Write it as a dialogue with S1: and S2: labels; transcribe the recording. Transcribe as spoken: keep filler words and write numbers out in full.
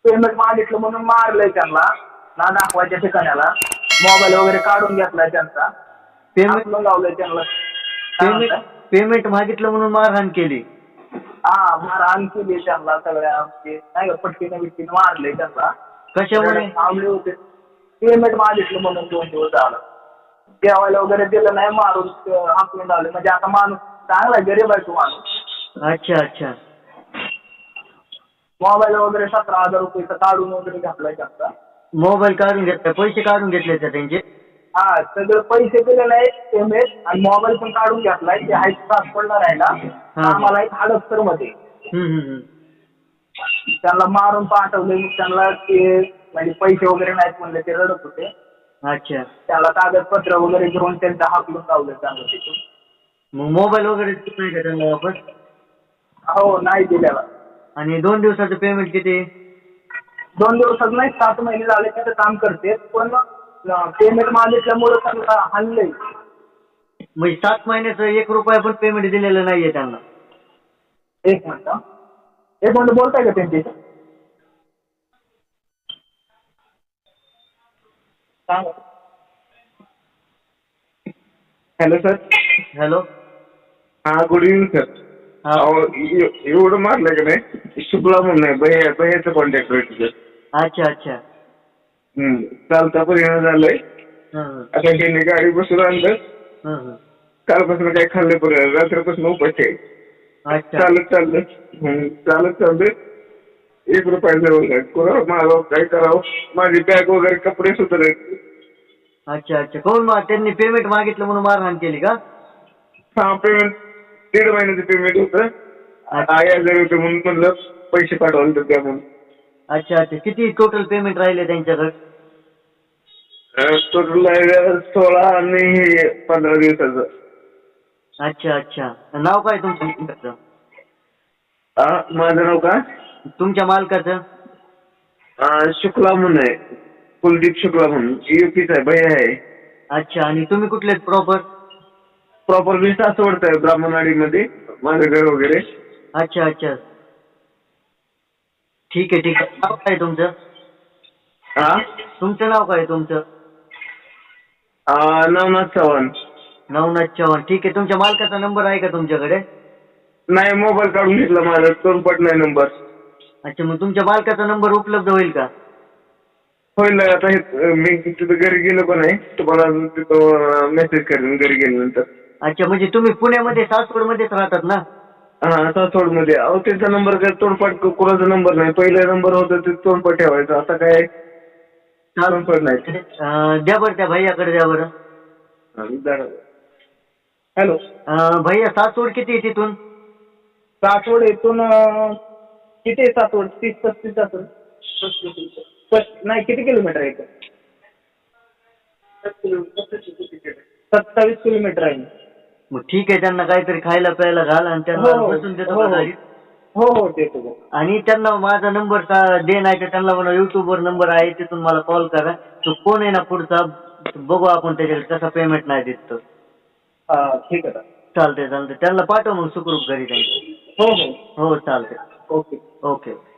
S1: Payment मागितलं म्हणून मारलंय त्यांना ना दाखवायच्या ठिकाणाला, मोबाईल वगैरे काढून घेतलाय त्यांचा,
S2: पेमेंट
S1: लावलंय त्यांना.
S2: पेमेंट पेमेंट मागितलं म्हणून मारहाण केली.
S1: हा मारहाण केली त्यांना सगळ्या, नाही का पट्टीने बिट्टीने मारले त्यांना.
S2: कशामुळे?
S1: थांबले होते पेमेंट मागितलं म्हणून दोन दिवस झालं. जेवायला वगैरे दिलं नाही, मारून हाकलून लावले. म्हणजे आता माणूस चांगला गरीब आहे तो माणूस.
S2: अच्छा अच्छा.
S1: मोबाईल वगैरे सतरा हजार रुपये काढून वगैरे घातलाय त्यांचा.
S2: मोबाईल काढून घेतला, पैसे काढून घेतले का त्यांचे?
S1: हा सगळं पैसे दिले नाही पेमेंट आणि मोबाईल पण काढून घेतलाय. ते हाय ट्रान्सफरला राहिला आम्हाला एक हडपसर मध्ये. त्यांना मारून पाठवले, त्यांना ते म्हणजे पैसे वगैरे नाहीत म्हणले, ते रडत होते.
S2: अच्छा.
S1: त्याला कागदपत्र वगैरे घेऊन त्यांचा हाकलून लावलं त्यांना तिथून.
S2: मग मोबाईल वगैरे नाही का त्यांना वापस?
S1: हो नाही दिलेला.
S2: आणि दोन दिवसाचं पेमेंट किती?
S1: दोन दिवसात नाही, सात महिने झाले तिथं काम करते, पण पेमेंट मागितल्यामुळे त्यांना हल्लंय.
S2: म्हणजे सात महिन्याचं एक रुपया पण पेमेंट दिलेलं नाहीये त्यांना.
S1: एक मिनिट एक मिनिट बोलताय का त्यांची? Hello sir.
S2: हॅलो.
S3: हा गुड इव्हनिंग सर. अहो एवढं मारलं का नाही, शुक्ला म्हणून आहे, भैया भैयाचं कॉन्टॅक्ट आहे तुझं.
S2: अच्छा अच्छा.
S3: हम्म चालता परिणाम झालंय. आता त्यांनी गाडी बसून आणलं, कालपासून काही खाल्लं पर्यंत रात्रीपासून उपास आहे. चालत चाललं चालत चाललं एक रुपया जवळ करावं मागावं काय करावं, माझी बॅग वगैरे कपडे सुद्धा.
S2: अच्छा अच्छा. कोण मग त्यांनी पेमेंट मागितलं म्हणून मारहाण केली का?
S3: हा पेमेंट दीड महिन्याचं पेमेंट होतं, आई हजार रुपये म्हणून म्हणलं पैसे पाठवायला तर द्या म्हणून.
S2: अच्छा अच्छा. किती टोटल पेमेंट राहिले त्यांच्याकडे?
S3: टोटल सोळा आणि पंधरा दिवसाचं.
S2: अच्छा अच्छा. नाव काय तुमच्या मालकाचं?
S3: हा माझं नाव का?
S2: तुमच्या मालकाचं?
S3: शुक्ला म्हणून आहे, कुलदीप शुक्ला म्हणून, युपीच आहे, भैया आहे.
S2: अच्छा. आणि तुम्ही कुठले प्रॉपर?
S3: प्रॉपर मी सासवडचा आहे, ब्राह्मणवाडीमध्ये माझं घर वगैरे.
S2: अच्छा अच्छा. ठीक आहे ठीक आहे. नाव काय तुमचं?
S3: हा
S2: तुमचं नाव काय तुमचं?
S3: नवनाथ चव्हाण.
S2: नवनाथ चव्हाण. ठीक आहे. तुमच्या मालकाचा नंबर आहे का तुमच्याकडे?
S3: नाही, मोबाईल काढून घेतला माझा, तोंडपट नाही नंबर.
S2: अच्छा. मग तुमच्या मालकाचा नंबर उपलब्ध होईल का?
S3: होईल. आता हे मी तिथं घरी गेलो पण आहे, तुम्हाला तिथं मेसेज करेन घरी गेल्यानंतर.
S2: अच्छा. म्हणजे तुम्ही पुण्यामध्ये सासवडमध्येच राहतात ना?
S3: हा सासवडमध्ये. अहो त्यांचा नंबर काय तोंडपाठ कोणाचा नंबर नाही, पहिला नंबर होता ते तोंडपाठ ठेवायचा, आता काय तोंडपाठ नाही.
S2: द्या बरं त्या भैयाकडे द्या बरं.
S3: हॅलो
S2: भैया, सासवड किती आहे तिथून?
S1: सासवड इथून किती आहे? सासवड तीस पस्तीस असेल. नाही किती किलोमीटर आहे इथं? सत्तावीस किलोमीटर आहे.
S2: मग ठीक आहे. त्यांना काहीतरी खायला प्यायला घाल आणि त्यांना बसून देतो का गाडीत?
S1: हो हो देतो.
S2: आणि त्यांना माझा नंबर दे, नाही तर त्यांना म्हणा युट्यूबवर नंबर आहे तिथून मला कॉल करा. तो कोण आहे ना पुढचा, बघू आपण त्याच्याकडे कसा पेमेंट नाही देत तो.
S1: हा ठीक आहे.
S2: चालते चालते. त्यांना पाठव मग सुखरूप घरी त्यांच्या.
S1: हो हो
S2: हो चालते.
S1: Okay
S2: okay.